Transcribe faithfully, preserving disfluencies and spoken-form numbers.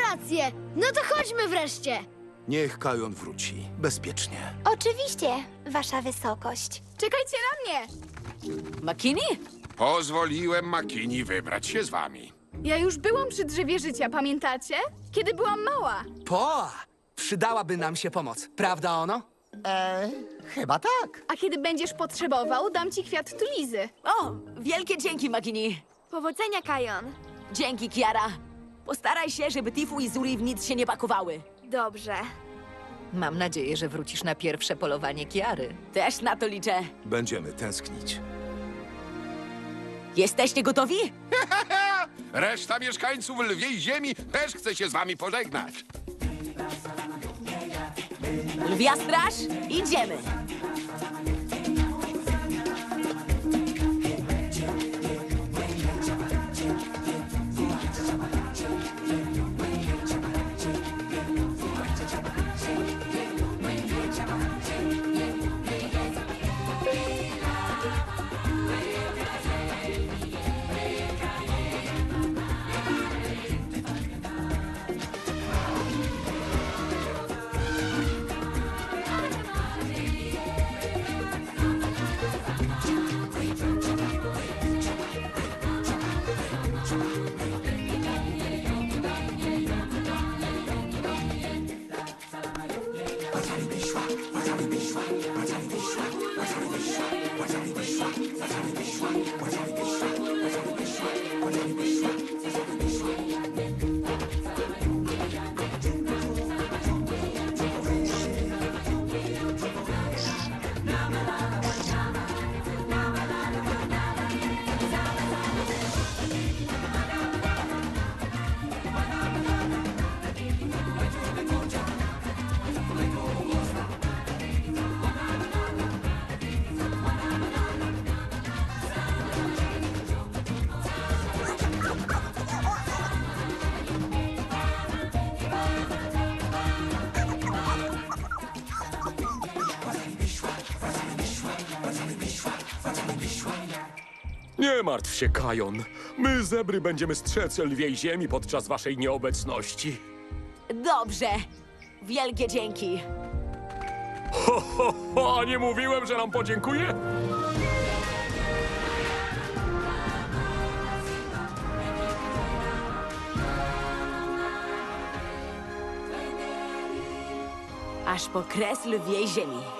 rację. No to chodźmy wreszcie. Niech Kajon wróci. Bezpiecznie. Oczywiście, wasza wysokość. Czekajcie na mnie! Makini? Pozwoliłem Makini wybrać się z wami. Ja już byłam przy drzewie życia, pamiętacie? Kiedy byłam mała. Po! Przydałaby nam się pomoc, prawda ono? E, chyba tak. A kiedy będziesz potrzebował, dam ci kwiat tulizy. O, wielkie dzięki, Makini. Powodzenia, Kajon. Dzięki, Kiara. Postaraj się, żeby Tifu i Zuri w nic się nie pakowały. Dobrze. Mam nadzieję, że wrócisz na pierwsze polowanie Kiary. Też na to liczę. Będziemy tęsknić. Jesteście gotowi? Reszta mieszkańców Lwiej Ziemi też chce się z wami pożegnać. Lwia straż, idziemy. Nie martw się, Kajon. My, zebry, będziemy strzec lwiej ziemi podczas waszej nieobecności. Dobrze. Wielkie dzięki. Ho, ho, ho, a nie mówiłem, że nam podziękuje? Aż po kres lwiej ziemi.